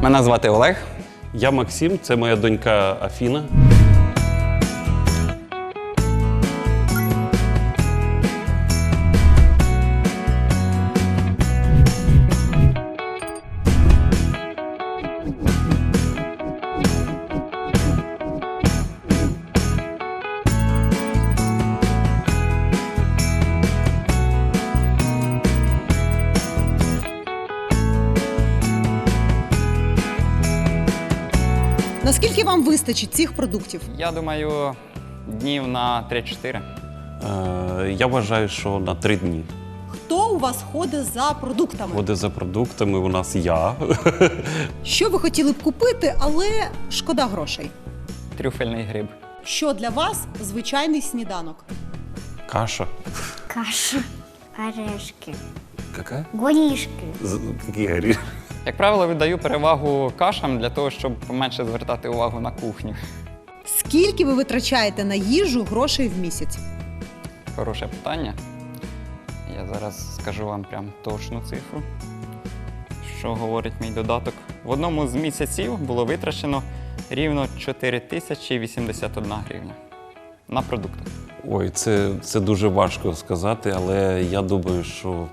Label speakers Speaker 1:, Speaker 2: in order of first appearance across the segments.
Speaker 1: Мене звати Олег.
Speaker 2: Я Максим, це моя донька Афіна.
Speaker 3: Наскільки вам вистачить цих продуктів?
Speaker 1: Я думаю, днів на 3-4.
Speaker 2: Я вважаю, що на 3 дні.
Speaker 3: Хто у вас ходить за продуктами?
Speaker 2: Ходить за продуктами у нас я.
Speaker 3: Що ви хотіли б купити, але шкода грошей?
Speaker 1: Трюфельний гриб.
Speaker 3: Що для вас звичайний сніданок?
Speaker 2: Каша.
Speaker 4: Каша, орешки,
Speaker 2: Яка?
Speaker 4: горішки.
Speaker 2: Які горішки?
Speaker 1: Як правило, віддаю перевагу кашам для того, щоб менше звертати увагу на кухню.
Speaker 3: Скільки ви витрачаєте на їжу грошей в місяць?
Speaker 1: Хороше питання. Я зараз скажу вам прям точну цифру, що говорить мій додаток. В одному з місяців було витрачено рівно 4081 гривня на продукти.
Speaker 2: Ой, це дуже важко сказати, але я думаю, що,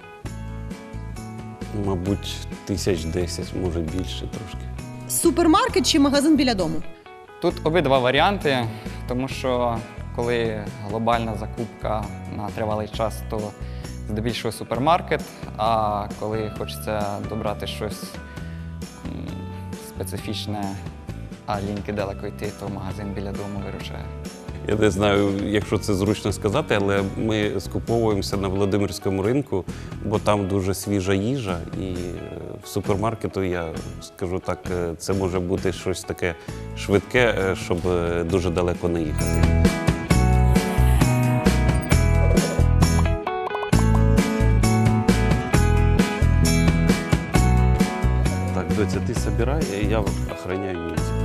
Speaker 2: мабуть, 1010, може більше трошки.
Speaker 3: Супермаркет чи магазин біля дому?
Speaker 1: Тут обидва варіанти, тому що коли глобальна закупка на тривалий час, то здебільшого супермаркет, а коли хочеться добрати щось специфічне, а ліньки далеко йти, то магазин біля дому виручає.
Speaker 2: Я не знаю, якщо це зручно сказати, але ми скуповуємося на Володимирському ринку, бо там дуже свіжа їжа, і в супермаркету, я скажу так, це може бути щось таке швидке, щоб дуже далеко не їхати. Так, доця, ти збирай, я охороняю місце.